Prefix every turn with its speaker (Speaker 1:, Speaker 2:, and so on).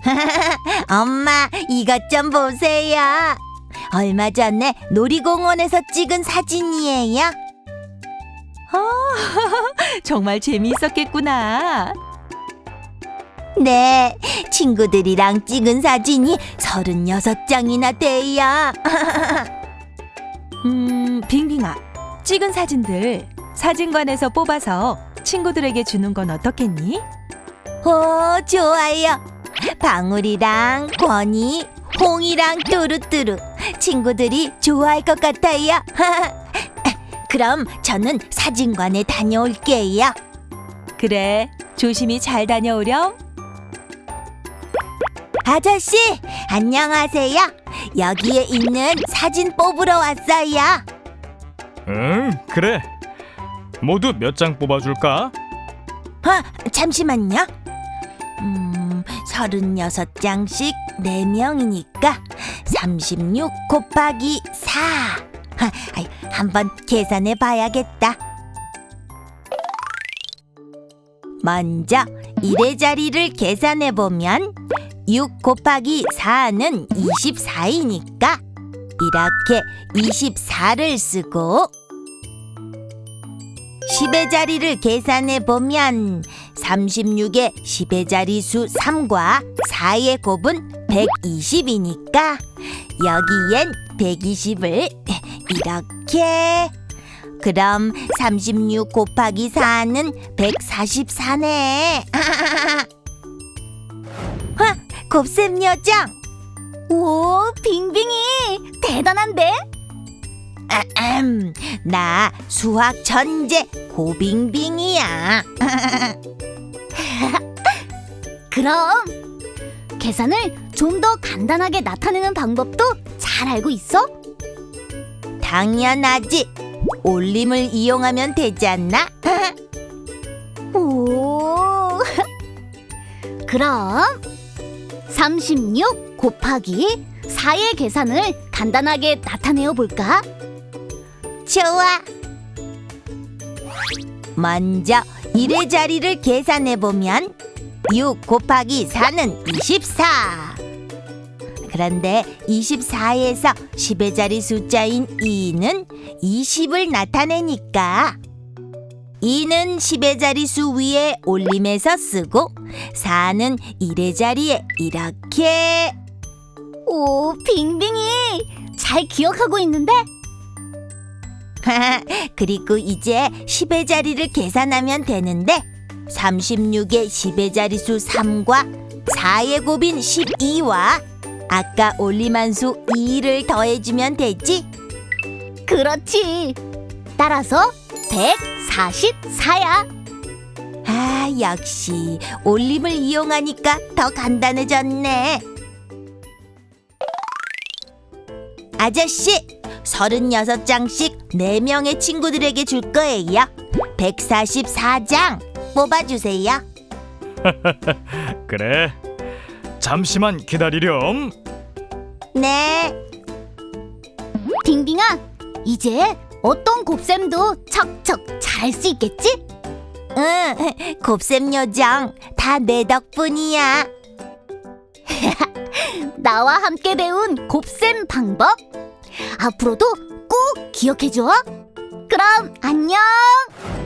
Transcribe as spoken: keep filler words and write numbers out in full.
Speaker 1: 엄마, 이것 좀 보세요. 얼마 전에 놀이공원에서 찍은 사진이에요.
Speaker 2: 아, 정말 재미있었겠구나.
Speaker 1: 네, 친구들이랑 찍은 사진이 서른여섯 장이나 돼요.
Speaker 2: 음, 빙빙아, 찍은 사진들 사진관에서 뽑아서 친구들에게 주는 건 어떻겠니?
Speaker 1: 오, 좋아요. 방울이랑 권이, 홍이랑 뚜루뚜루 친구들이 좋아할 것 같아요. 그럼 저는 사진관에 다녀올게요.
Speaker 2: 그래, 조심히 잘 다녀오렴.
Speaker 1: 아저씨, 안녕하세요. 여기에 있는 사진 뽑으러 왔어요.
Speaker 3: 응, 그래. 모두 몇 장 뽑아줄까?
Speaker 1: 아, 잠시만요. 음, 서른여섯 장씩 네 명이니까 삼십육 곱하기 사. 하, 아이, 한번 계산해 봐야겠다. 먼저 일의 자리를 계산해 보면 육 곱하기 사는 이십사이니까 이렇게 이십사를 쓰고 십의 자리를 계산해 보면 삼십육의 십의 자리수 삼과 사의 곱은 백이십이니까 여기엔 백이십을 이렇게. 그럼 삼십육 곱하기 사는 백사십사네. 아, 곱셈 요정.
Speaker 4: 오, 빙빙이 대단한데?
Speaker 1: 아흠, 나 수학 천재 고빙빙이야.
Speaker 4: 그럼 계산을 좀 더 간단하게 나타내는 방법도 잘 알고 있어?
Speaker 1: 당연하지. 올림을 이용하면 되지 않나?
Speaker 4: 오, 그럼 삼십육 곱하기 사의 계산을 간단하게 나타내어 볼까?
Speaker 1: 좋아. 먼저 일의 자리를 계산해 보면 육 곱하기 사는 이십사. 그런데 이십사에서 십의 자리 숫자인 이는 이십을 나타내니까 이는 십의 자리 수 위에 올림해서 쓰고 사는 일의 자리에 이렇게.
Speaker 4: 오, 빙빙이 잘 기억하고 있는데?
Speaker 1: 그리고 이제 십의 자리를 계산하면 되는데 삼십육의 십의 자리 수 삼과 사의 곱인 십이와 아까 올림한 수 이를 더해주면 되지?
Speaker 4: 그렇지. 따라서 백사십사야.
Speaker 1: 아, 역시 올림을 이용하니까 더 간단해졌네. 아저씨, 서른여섯 장씩 네 명의 친구들에게 줄 거예요. 백사십사 장 뽑아주세요.
Speaker 3: 그래. 잠시만 기다리렴.
Speaker 1: 네.
Speaker 4: 빙빙아, 이제 어떤 곱셈도 척척 잘 할 수 있겠지?
Speaker 1: 응, 곱셈 요정 다 내 덕분이야.
Speaker 4: 나와 함께 배운 곱셈 방법 앞으로도 꼭 기억해줘. 그럼 안녕.